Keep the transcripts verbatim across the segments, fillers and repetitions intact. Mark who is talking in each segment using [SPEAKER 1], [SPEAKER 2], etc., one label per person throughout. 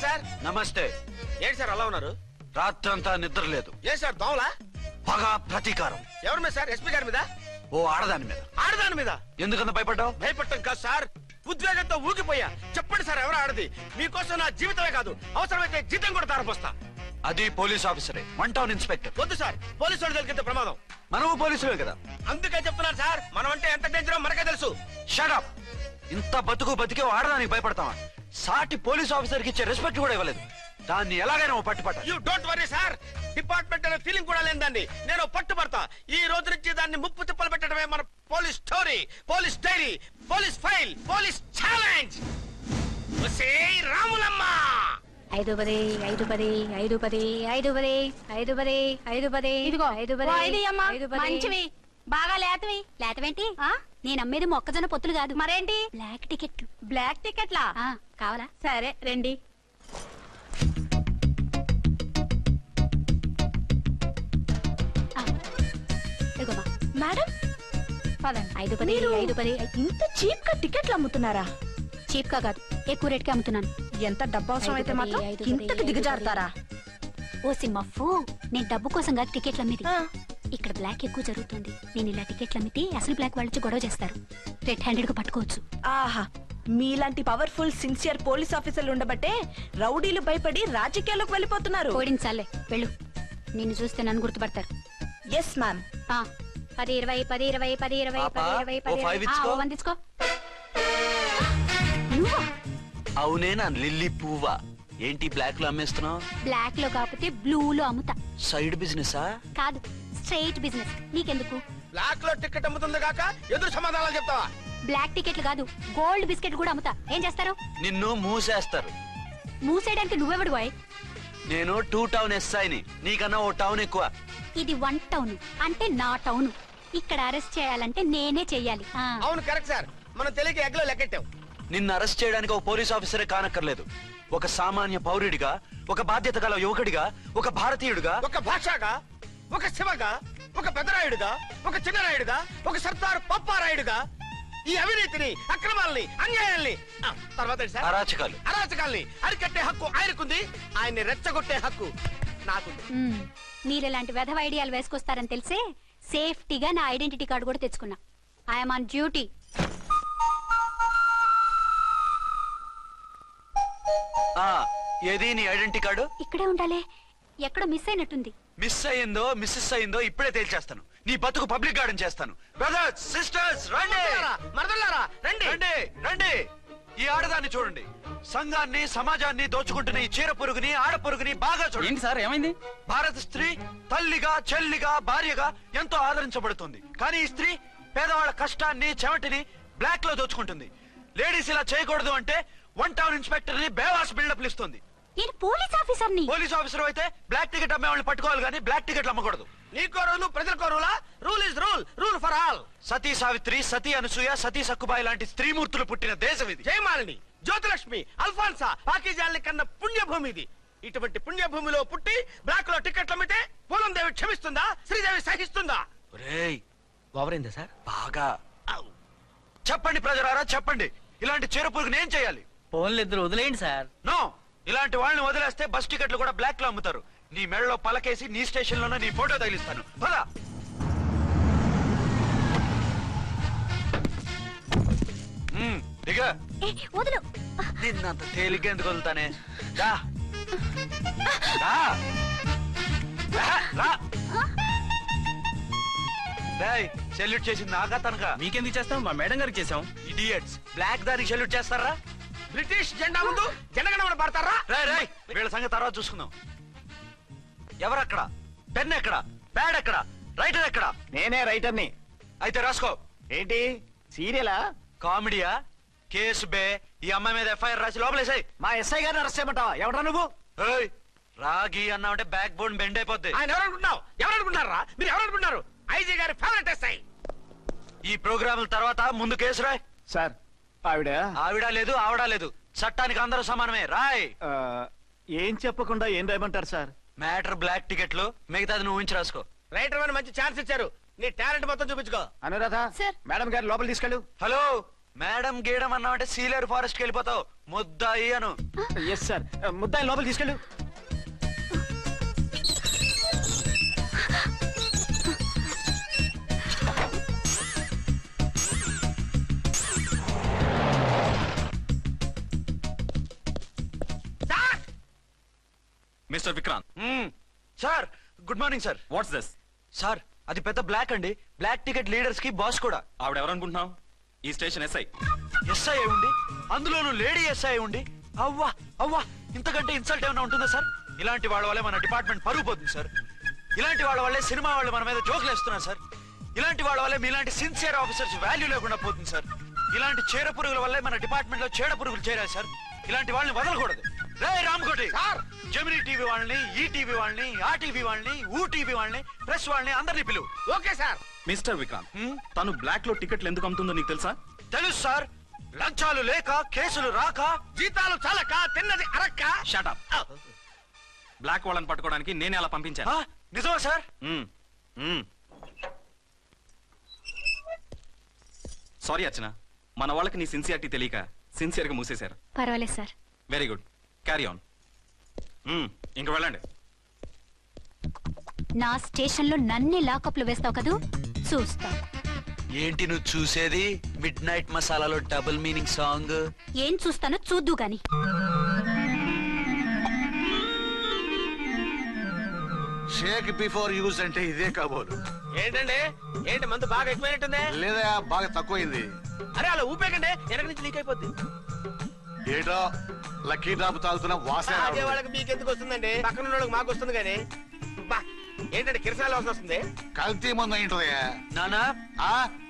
[SPEAKER 1] Sir.
[SPEAKER 2] నమస్తే.
[SPEAKER 1] ఏంటి sir అలా ఉన్నారు?
[SPEAKER 2] రాత్రంతా నిద్ర లేదు.
[SPEAKER 1] ఏ సార్ దోమలా?
[SPEAKER 2] పగ ప్రతీకారం.
[SPEAKER 1] ఎవరి మీద సార్? ఎస్పీ గారి మీద?
[SPEAKER 2] ఓ ఆడదాని మీద.
[SPEAKER 1] ఆడదాని మీద
[SPEAKER 2] ఎందుకంత భయపడ్డావు?
[SPEAKER 1] భయపడటం కాదు సార్, ఉద్వేగంతో ఊగిపోయా. చెప్పండి సార్, ఎవరు ఆడది? మీకోసం నా జీవితమే కాదు, అవసరమైతే జీతం కూడా తారపోస్తా.
[SPEAKER 2] అది పోలీస్ ఆఫీసరే, వన్ టౌన్ ఇన్స్పెక్టర్.
[SPEAKER 1] వద్దు సార్, పోలీసు వాళ్ళు దొరికితే ప్రమాదం.
[SPEAKER 2] మనము పోలీసులే కదా.
[SPEAKER 1] అందుకే చెప్తున్నారు సార్, మనం అంటే ఎంత డేంజరో మనకే తెలుసు.
[SPEAKER 2] Shut up. ఇంత బతుకు బతికే ఆడదానికి భయపడతావా? సాటి పోలీస్ ఆఫీసర్కి ఇచ్చే రెస్పెక్ట్ కూడా ఇవ్వలేదు. దాన్ని ఎలాగైనా పట్టుపట్ట.
[SPEAKER 1] You don't worry sir, department అనే ఫీలింగ్ కూడా లేని దాన్ని నేను పట్టుపడతా. ఈ రోజు నుంచి దాన్ని ముప్పు తిప్పలు పెట్టడమే మన police story, police diary, police file, police challenge. Ramulamma.
[SPEAKER 3] ఐదు పది ఐదు పది ఐదు పది ఐదు పది ఐదు పది ఐదు పది ఇదిగో ఐదు పది ఐదు పది మంచివి బాగా లేతవి. లేతవేంటి? నేను అమ్మేది మొక్కజొన్న పొత్తులు కాదు. మరేంటి? బ్లాక్ టికెట్లు. బ్లాక్ టికెట్లా? కావాలా? సరే రండి. మేడం ఐదు పది ఐదు పది. ఇంత చీప్ గా టికెట్లు అమ్ముతున్నారా? చీప్ గా కాదు, ఎక్కువ రేట్ కి అమ్ముతున్నాను. ఎంత డబ్బు అవసరం అయితే మాత్రం ఇంతకు దిగజారుతారా? ఓ సిమ్మఫు, నేను డబ్బు కోసం కాదు టికెట్లు అమ్మేది. ఇక్కడ బ్లాక్ ఎక్కువ జరుగుతుంది. నేను ఇలా టికెట్లు అమ్మితే అసలు బ్లాక్ వాళ్ళు గొడవ చేస్తారు, రెడ్ హ్యాండెడ్ గా పట్టుకోవచ్చు. ఆహా, మీలాంటి పవర్ఫుల్ సిన్సియర్ పోలీస్ ఆఫీసర్లు ఉండబట్టే రౌడీలు భయపడి రాజకీయాల్లోకి వెళ్ళిపోతున్నారు. ఓడించాలే వెళ్ళు, నిన్ను చూస్తే నన్ను గుర్తుపడతారు. Yes ma'am. పది ఇరవై పది ఇరవై పది ఇరవై పది ఇరవై పది వందించుకో.
[SPEAKER 2] అవునే నా లిల్లీ పువ్వా. ఏంటి బ్లాక్ లో అమ్మేస్తున్నావు?
[SPEAKER 3] బ్లాక్ లో కాకపోతే బ్లూ లో అమ్ముతా.
[SPEAKER 2] సైడ్ బిజినెస్
[SPEAKER 3] కాదు, స్ట్రైట్ బిజినెస్. నీకెందుకు?
[SPEAKER 1] బ్లాక్ లో టికెట్ అమ్ముతుంది కాక ఎదురు సమాధానాలు చెప్తావా?
[SPEAKER 3] బ్లాక్ టికెట్లు కాదు, గోల్డ్ బిస్కెట్ కూడా అమ్ముతా. ఏం చేస్తారు?
[SPEAKER 2] నిన్ను మూసేస్తారు.
[SPEAKER 3] మూసేయడానికి నువ్వెవడు బాయ్?
[SPEAKER 2] నేను టూ టౌన్ ఎస్ఐని, నీకన్నా ఓ టౌన్ ఎక్కువ.
[SPEAKER 3] ఇది వన్ టౌన్ అంటే నా టౌన్. ఇక్కడ అరెస్ట్ చేయాలంటే నేనే చెయ్యాలి.
[SPEAKER 1] అవును కరెక్ట్ సార్, మనం తెలియక ఎగ్లో లెక్కెట్టాం.
[SPEAKER 2] నిన్ను అరెస్ట్ చేయడానికి ఒక పోలీస్ ఆఫీసరే కానక్కర్లేదు. ఒక సామాన్య పౌరుడిగా, ఒక బాధ్యత గల యువకుడిగా, ఒక భారతీయుడిగా,
[SPEAKER 1] ఒక భాషగా, ఒక శివగా, ఒక పెద్దరాయుడుగా, ఒక చిన్నరాయుడుగా, ఒక సర్దార్ పప్పారాయుడుగా ఈ అవినీతిని, అక్రమాలని, అన్యాయాల్ని, తర్వాత
[SPEAKER 2] అరాచకాలు
[SPEAKER 1] అరాచకాల్ని అరికట్టే హక్కు ఆయనకుంది. ఆయన్ని రెచ్చగొట్టే హక్కు నాకుంది.
[SPEAKER 3] మీరు ఇలాంటి వెధవ ఐడియాలు వేసుకొస్తారని తెలిసే సేఫ్టీగా నా ఐడెంటిటీ కార్డు కూడా తెచ్చుకున్నా. I'm on duty.
[SPEAKER 2] ఏది నీ ఐడెంటిటీ కార్డు?
[SPEAKER 3] ఇక్కడే ఉండాలి, ఎక్కడో మిస్ అయినట్టుంది.
[SPEAKER 2] మిస్ అయ్యిందో మిస్సెస్ అయ్యిందో ఇప్పుడే తేల్చేస్తాను. నీ బతుకు పబ్లిక్ గార్డెన్ చేస్తాను. బ్రదర్స్ సిస్టర్స్ రండి,
[SPEAKER 1] మరదలారా రండి
[SPEAKER 2] రండి రండి. ఈ ఆడదాన్ని చూడండి. సంఘాన్ని సమాజాన్ని దోచుకుంటున్న ఈ చీర పురుగుని, ఆడ పురుగుని బాగా చూడండి.
[SPEAKER 4] సార్ ఏమైంది?
[SPEAKER 2] భారత స్త్రీ తల్లిగా, చెల్లిగా, భార్యగా ఎంతో ఆదరించబడుతుంది. కానీ ఈ స్త్రీ పేదవాళ్ళ కష్టాన్ని, చెమటిని బ్లాక్ లో దోచుకుంటుంది. లేడీస్ ఇలా చేయకూడదు అంటే వన్ టౌన్ ఇన్స్పెక్టర్ ని బేవాస్ బిల్డప్ ఇస్తుంది.
[SPEAKER 3] నేను పోలీస్ ఆఫీసర్ ని.
[SPEAKER 2] పోలీస్ ఆఫీసర్ అయితే బ్లాక్ టికెట్ అమ్మే వాళ్ళని పట్టుకోవాలి కానీ బ్లాక్ టికెట్లు అమ్మకూడదు.
[SPEAKER 1] నీకో రూలు, ప్రజలకో రూలా? Rule is rule, rule for all.
[SPEAKER 2] Sati Savitri, Sati Anasuya, Sati Sakkubai లాంటి స్త్రీమూర్తులు పుట్టిన దేశం ఇది.
[SPEAKER 1] జయమాలిని, జ్యోతిలక్ష్మి, అల్ఫాన్సా, పాకిజాల్ని కన్న పుణ్యభూమి ఇది. ఇటువంటి పుణ్యభూమిలో పుట్టి బ్లాక్ లో టికెట్లు అమ్మితే పూలం దేవి క్షమిస్తుందా? శ్రీదేవి సహిస్తుందా?
[SPEAKER 4] ఓవరైందా సార్?
[SPEAKER 2] బాగా చెప్పండి ప్రజలారా, చెప్పండి. ఇలాంటి చీర పురుగుని ఏం చేయాలి?
[SPEAKER 4] ఫోన్లు ఇద్దరు వదిలేయండి సార్.
[SPEAKER 2] నో, ఇలాంటి వాళ్ళని వదిలేస్తే బస్ టికెట్లు కూడా బ్లాక్ లో అమ్ముతారు. నీ మెడలో పలకేసి నీ స్టేషన్ లోనే నీ ఫోటో తగిలిస్తాను. పద. దిగా. నిన్నంత తేలిగ్గా ఎందుకు వదులుతానే? సెల్యూట్ చేసింది నాకా తనకా?
[SPEAKER 4] మీకెందుకు చేస్తాం, మా మేడం గారికి చేసాం.
[SPEAKER 2] ఇడియట్స్, బ్లాక్ దానికి సెల్యూట్ చేస్తారా?
[SPEAKER 1] బ్రిటిష్ జెండా ముందు జనగణమన పడతారా?
[SPEAKER 2] రాయ్ రాయ్, వీళ్ళ సంగతి తర్వాత చూసుకుందాం. ఎవరక్కడ? పెన్ ఎక్కడ? ప్యాడ్ ఎక్కడ? రైటర్ ఎక్కడ?
[SPEAKER 5] నేనే రైటర్ని.
[SPEAKER 2] అయితే రాసుకో.
[SPEAKER 5] ఏంటి సీరియలా,
[SPEAKER 2] కామెడీయా? కేసు బే. ఈ అమ్మాయి మీద ఎఫ్ఐఆర్ రాసి లోపలేసాయి.
[SPEAKER 5] మా ఎస్ఐ గారిని అరెస్ట్ చేయమంటావా? ఎవడా నువ్వు?
[SPEAKER 2] రాగి అన్నావంటే బ్యాక్ బోన్ బెండ్ అయిపోద్ది.
[SPEAKER 1] ఆయన ఎవరనుకుంటున్నావు? ఎవరనుకుంటున్నారా మీరు? ఎవరనుకుంటున్నారు? ఐజీ గారి ఫేవరెట్ ఎస్ఐ.
[SPEAKER 2] ఈ ప్రోగ్రాముల తర్వాత ముందు కేసు రాయ్.
[SPEAKER 5] సార్ ఆవిడ
[SPEAKER 2] ఆవిడ లేదు, ఆవిడ లేదు. చట్టానికి అందరూ సమానమే. రాయ్.
[SPEAKER 5] ఏం చెప్పకుండా ఏం రాయమంటారు సార్?
[SPEAKER 2] మ్యాటర్ బ్లాక్ టికెట్లు, మిగతాది నువ్వు ఉంచి రాసుకో.
[SPEAKER 1] రైటర్ అని మంచి ఛాన్స్ ఇచ్చారు, నీ టాలెంట్ మొత్తం చూపించుకో.
[SPEAKER 5] అనురాధ, మేడం గారు లోపల తీసుకెళ్ళు.
[SPEAKER 2] హలో, మేడం గీయడం అన్నావంటే సీలేరు ఫారెస్ట్ కి వెళ్ళిపోతావు. ముద్దాయి అను.
[SPEAKER 5] ఎస్ సార్ ముద్దాయి లోపల తీసుకెళ్ళు.
[SPEAKER 6] Mister Vikrant,
[SPEAKER 2] hmm. Sir good morning sir.
[SPEAKER 6] What's this?
[SPEAKER 2] Sir అది పెద్ద బ్లాక్ అండి. బ్లాక్ టికెట్ లీడర్స్ కి బాస్ కూడా.
[SPEAKER 6] ఆవిడ ఎవరనుకుంటున్నావు? ఈ స్టేషన్ ఎస్ఐ.
[SPEAKER 2] ఎస్ఐ ఉండి అందులోనూ లేడీ ఎస్ఐ ఉండి అవ్వా అవ్వా ఇంతకంటే ఇన్సల్ట్ ఏమైనా ఉంటుందా సార్? ఇలాంటి వాళ్ళ వల్లే మన డిపార్ట్మెంట్ పరుగు పోతుంది సార్. ఇలాంటి వాళ్ళ వల్లే సినిమా వాళ్ళు మన మీద జోకులు వేస్తున్నారు సార్. ఇలాంటి వాళ్ళ వల్లే మీలాంటి సిన్సియర్ ఆఫీసర్స్ వాల్యూ లేకుండా పోతుంది సార్. ఇలాంటి చీడ పురుగుల వల్లే మన డిపార్ట్మెంట్ లో చీడ పురుగులు చేరారు సార్. ఇలాంటి వాళ్ళని వదలకూడదు. రే రామ్కోటి సార్, జెమినీ టీవీ వాళ్ళని, ఈ టీవీ వాళ్ళని, ఆ టీవీ వాళ్ళని, ఊ టీవీ వాళ్ళని, ప్రెస్ వాళ్ళని అందరినీ పిలువు.
[SPEAKER 1] Okay sir.
[SPEAKER 6] మిస్టర్ విక్రాంత్,
[SPEAKER 2] హ్మ్?
[SPEAKER 6] తను బ్లాక్ లో టికెట్లు ఎందుకు అమ్ముతుందో నీకు తెలుసా?
[SPEAKER 2] తెలుసు సార్. లంచాలు లేక, కేసులు రాక,
[SPEAKER 1] జీతాలు చాలక తిన్నది అరక్క.
[SPEAKER 6] షటప్. బ్లాక్ వాళ్ళని పట్టుకోవడానికి నేనే అలా పంపించాను.
[SPEAKER 2] ఆ, నిజమా సార్?
[SPEAKER 6] మ్మ్. మ్మ్. సారీ అర్చన, మన వాళ్ళకి నీ సిన్సియారిటీ తెలియక సిన్సియర్ గా మూసేశారు.
[SPEAKER 3] పర్వాలేదు sir.
[SPEAKER 6] Very good, carry on. ఇంక వెళ్ళండి.
[SPEAKER 3] నా స్టేషన్ లో నన్నే లాకప్ లో వేస్తావు కదూ, చూస్తా.
[SPEAKER 2] ఏంటి నువ్వు చూసేది? మిడ్ నైట్ మసాలాలో డబుల్ మీనింగ్ సాంగ్.
[SPEAKER 3] ఏం చూస్తానో చూద్దు గాని.
[SPEAKER 7] షేక్ బిఫోర్ యూజ్ అంటే ఇదే కాబోలు.
[SPEAKER 1] ఏంటండి, ఏంటి మందు బాగా ఎక్కువైనట్టుంది?
[SPEAKER 7] లేదా బాగా తక్కువైంది.
[SPEAKER 1] అరే అలా ఊపేకండి, వెనక నుంచి లీక్ అయిపోద్ది.
[SPEAKER 7] ఏటో లక్కీ డ్రాప్ తాగుతున్న వాసన
[SPEAKER 1] తాగే వాళ్ళకి మీకు ఎందుకు వస్తుందండి, పక్కన ఉన్న వాళ్ళకి మాకు వస్తుంది కానీ. బా ఏంటంటే కిరసాల వాసన వస్తుంది.
[SPEAKER 7] కల్తీ మందు అయింటదయ్యా.
[SPEAKER 2] నానా
[SPEAKER 7] ఆ?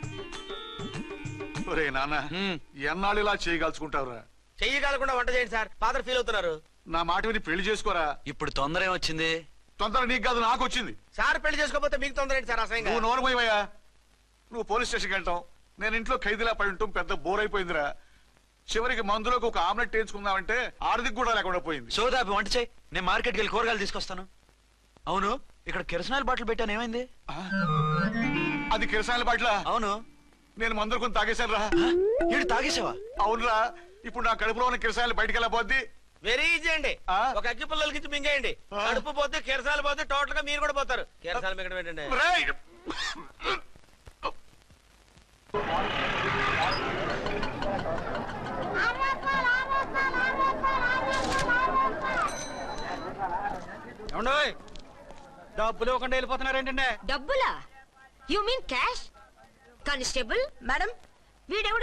[SPEAKER 7] ఒరే నాన్న,
[SPEAKER 2] హ్మ్.
[SPEAKER 7] ఎన్నాళ్ళు ఇలా చేయగలుచుకుంటావురా?
[SPEAKER 1] చెయ్యగలకుండా వంట చేయండి సార్, ఫాదర్ ఫీల్ అవుతున్నారు.
[SPEAKER 7] నా మాట విని పెళ్లి చేసుకోరా.
[SPEAKER 2] ఇప్పుడు తొందర ఏమొచ్చింది?
[SPEAKER 7] తొందర నీకు కాదు నాకు వచ్చింది.
[SPEAKER 1] సార్ పెళ్లి చేసుకోకపోతే మీకు తొందర ఏంటి సార్? అసహ్యంగా.
[SPEAKER 7] నువ్వు నోరు పోయివయ్యా. నువ్వు పోలీస్ స్టేషన్కి వెళ్తాం, నేను ఇంట్లో ఖైదీలా పడి ఉంటాం. పెద్ద బోర్ అయిపోయిందిరా. చివరికి మందులోకి ఒక ఆమ్లెట్ వేయించుకుందామంటే ఆర్థిక కూడా లేకుండా పోయింది.
[SPEAKER 2] సోదాపి వంట చేయి, నేను మార్కెట్కి వెళ్ళి కూరగాయలు తీసుకొస్తాను. అవును, ఇక్కడ కిరసనాయిల్ బాటిల్ పెట్టాను, ఏమైంది?
[SPEAKER 7] ఆ? అది కిరసాయల బాట్ల.
[SPEAKER 2] అవును.
[SPEAKER 7] నేను మందులు కొని తాగేశాను రా.
[SPEAKER 2] ఏడు తాగేసావా?
[SPEAKER 7] అవునురా, ఇప్పుడు నా కడుపులో ఉన్న కిరసాయలు బయటికి వెళ్ళబోద్ది.
[SPEAKER 1] వెరీ ఈజీ అండి.
[SPEAKER 7] ఆ?
[SPEAKER 1] ఒక అగ్గి పుల్లలకి ఇచ్చి మింగేయండి.
[SPEAKER 7] ఆ.
[SPEAKER 1] కడుపు పోతే కిరసాలు పోతే టోటల్ గా మీరు కూడా పోతారు. కిరసాలు మింగడం ఏంటండి?
[SPEAKER 7] రేయ్!
[SPEAKER 5] డబ్బులు ఇవ్వకుండా వెళ్ళిపోతున్నారు ఏంటంటే?
[SPEAKER 8] డబ్బులా? You mean cash? Constable
[SPEAKER 3] madam,
[SPEAKER 8] వీడెవడు